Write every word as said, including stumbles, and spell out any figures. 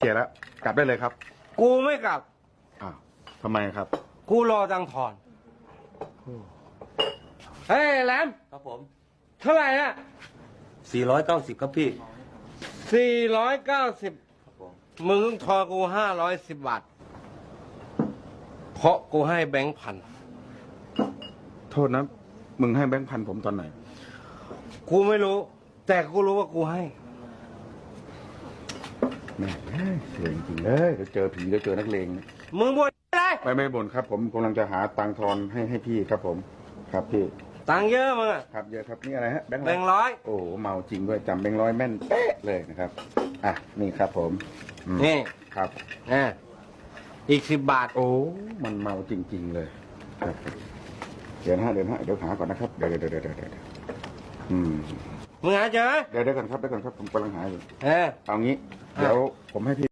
เคลียร์แล้วกลับได้เลยครับกูไม่กลับอ้าวทำไมครับกูรอตังค์ทอน เฮ้ยแหลมครับผมเท่าไหร่อะสี่ร้อยเก้าสิบครับพี่สี่ร้อยเก้าสิบครับผมมึงต้องทอนกูห้าร้อยสิบบาท เพราะกูให้แบงค์พันโทษนะ มึงให้แบงค์พันผมตอนไหนกูไม่รู้ แต่กูรู้ว่ากูให้แม่เสียจริงๆเลยเดี๋ยวเจอผีเดี๋ยวเจอนักเลงมึงบ่นอะไรไม่ไม่บ่นครับ ผมกำลังจะหาตังค์ทอนให้ให้พี่ครับผม ครับพี่ตังค์เยอะมึงอะครับเยอะครับนี่อะไรฮะแบงค์แบงค์ร้อยโอ้โหเมาจริงด้วยจำแบงค์ร้อยแม่นเป๊ะเลยนะครับอ่ะนี่ครับผมอืมนี่ครับอ่ะอีกสิบบาทโอ้มันเมาจริง ๆ เลยครับเดี๋ยวนะฮะเดี๋ยวนะฮะเดี๋ยวหาก่อนนะครับเดี๋ยวเดี๋ยวเดี๋ยวเดี๋ยวเดี๋ยวอืมมึงหาเจอไหมเดี๋ยวเดี๋ยวก่อนครับเดี๋ยวก่อนครับผมกำลังหาอยู่เออเอางี้ เดี๋ยวผมให้พี่